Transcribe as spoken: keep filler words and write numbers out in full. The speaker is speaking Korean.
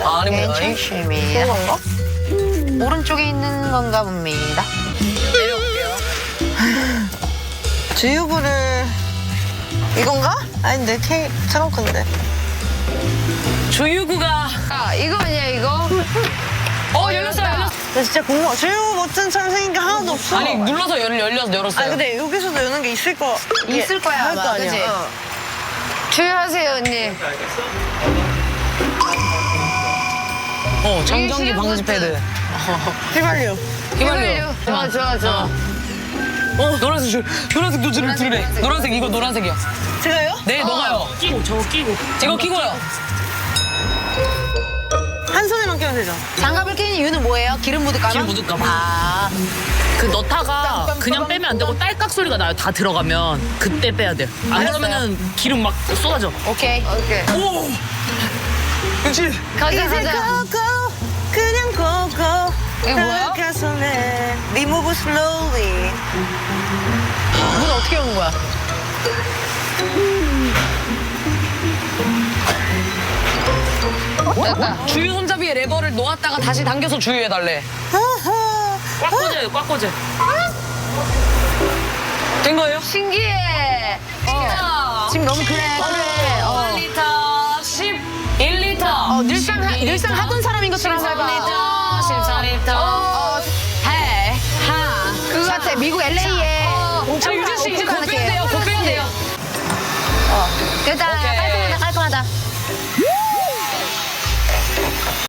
아, 아닙니다. 괜찮습니다. 건가? 오른쪽에 있는 건가 봅니다. 내려올게요. 주유구를 이건가? 아닌데 케이 트렁크인데. 주유구가 아, 이거 아니야, 이거? 어 열렸어요. 열렸어. 나 진짜 궁금해. 주유구 버튼처럼 생긴 게 하나도 없어. 아니 눌러서 열 열려서 열었어요. 아니, 근데 여기서도 여는 게 있을 거. 있을 거야, 할 거 아마. 아니야. 그치? 어. 주의하세요, 언니. 어 정전기 이게 방지 패드. 휘발유. 휘발유. 좋아, 좋아, 좋아. 어 노란색 줄 노란색 노즐을 노란색, 들으래. 노란색. 노란색 이거 노란색이요. 제가요? 네 너가요. 끼고 저거 끼고. 이거 끼고요. 한 손에만 끼면 되죠. 장갑을 끼는 이유는 뭐예요? 기름 묻을까 봐? 기름 묻을까 봐. 아, 그 넣다가 그냥 빼면 안 되고 딸깍 소리가 나요. 다 들어가면 그때 빼야 돼요. 안 그러면은 기름 막 쏟아져. 오케이. 오케이. 오. 그렇지. 가자, 이제 가자. 고고 그냥 고고. 이게 뭐야? 가슴에 Remove slowly. 문 어떻게 오는 거야? 됐다. 주유 손잡이에 레버를 놓았다가 다시 당겨서 주유해 달래. 아하. 꽉 꽂아요. 꽉 꽂아요. 된 거예요? 신기해. 어. 지금 너무 그래, 그래. 어. 일 리터, 십일 리터. 어, 늘상, 하, 늘상 하던 사람인 것처럼 해봐. 십삼 리터, 십사 리터. 어,